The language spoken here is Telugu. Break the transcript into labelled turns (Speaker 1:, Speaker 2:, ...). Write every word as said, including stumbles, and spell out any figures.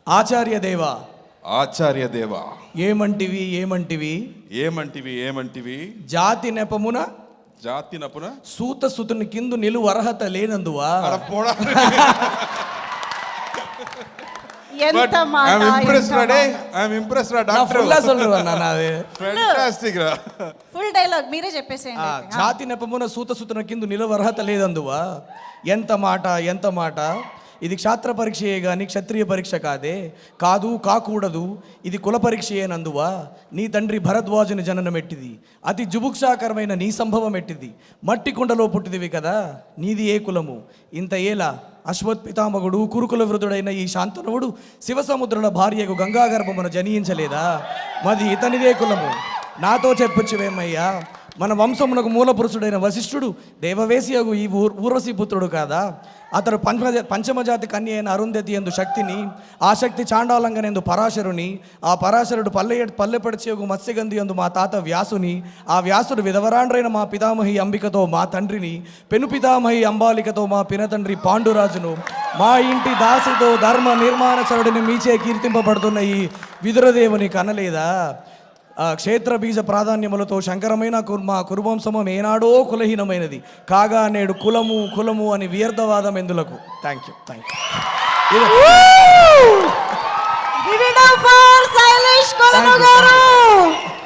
Speaker 1: ఆచార్య దేవా
Speaker 2: ఆచార్య దేవా
Speaker 1: ఏమంటివి ఏమంటివి
Speaker 2: ఏమంటివి ఏమంటివి
Speaker 1: జాతి నెపమున
Speaker 2: జాతి నపున
Speaker 1: సూత సుతుని కిందు నిలువ అర్హత లేనందువా.
Speaker 2: అలా పోడా.
Speaker 3: ఎంత మాట,
Speaker 2: I'm impressed,
Speaker 3: ఎంత
Speaker 2: Rade.
Speaker 3: మాట.
Speaker 2: I'm impressed, Rade,
Speaker 1: నా
Speaker 2: doctor.
Speaker 1: ఫుల్లా சொல்றேன் నాది.
Speaker 2: Fantastic రా.
Speaker 3: ఫుల్ డైలాగ్ మీరే చెప్పేసేయండి.
Speaker 1: ఆ, జాతి నెపమున సూత సుతుని కిందు నిలువ అర్హత లేదందువా. ఎంత మాట ఎంత మాట. ఇది క్షాత్ర పరీక్షయే గాని క్షత్రియ పరీక్ష కాదే. కాదు కాకూడదు ఇది కుల పరీక్షయేనందువా. నీ తండ్రి భరద్వాజుని జననం ఎట్టిది, అతి జుభుక్షాకరమైన నీ సంభవం ఎట్టిది. మట్టి కుండలో పుట్టిదివి కదా, నీది ఏ కులము. ఇంత ఏలా అశ్వత్పితామగుడు కురుకుల వృధుడైన ఈ శాంతనువుడు శివసముద్రుల భార్యకు గంగాగర్భమున జనించలేదా. మది ఇతనిదే కులము. నాతో చెప్పొచ్చువేమయ్యా. మన వంశమునకు మూల పురుషుడైన వశిష్ఠుడు దేవవేశియగు ఈ ఊర్ ఊర్వశీ పుత్రుడు కాదా. అతడు పంచమ పంచమజాతి కన్య అయిన అరుంధతి ఎందు శక్తిని, ఆ శక్తి చాండాలంగనందు పరాశరుని, ఆ పరాశరుడు పల్లె పల్లెపడిచేగు మత్స్యగంధి ఎందు మా తాత వ్యాసుని, ఆ వ్యాసుడు విధవరాండ్రైన మా పితామహి అంబికతో మా తండ్రిని, పెను పితామహి అంబాలికతో మా పినతండ్రి పాండురాజును, మా ఇంటి దాసితో ధర్మ నిర్మాణచరుడిని మీచే కీర్తింపబడుతున్న ఈ విదురదేవుని కనలేదా. క్షేత్ర బీజ ప్రాధాన్యములతో శంకరమైన మా కురువంశము ఏనాడో కులహీనమైనది కాగా నేడు కులము కులము అని వ్యర్థవాదం ఎందులకు. Thank you thank you.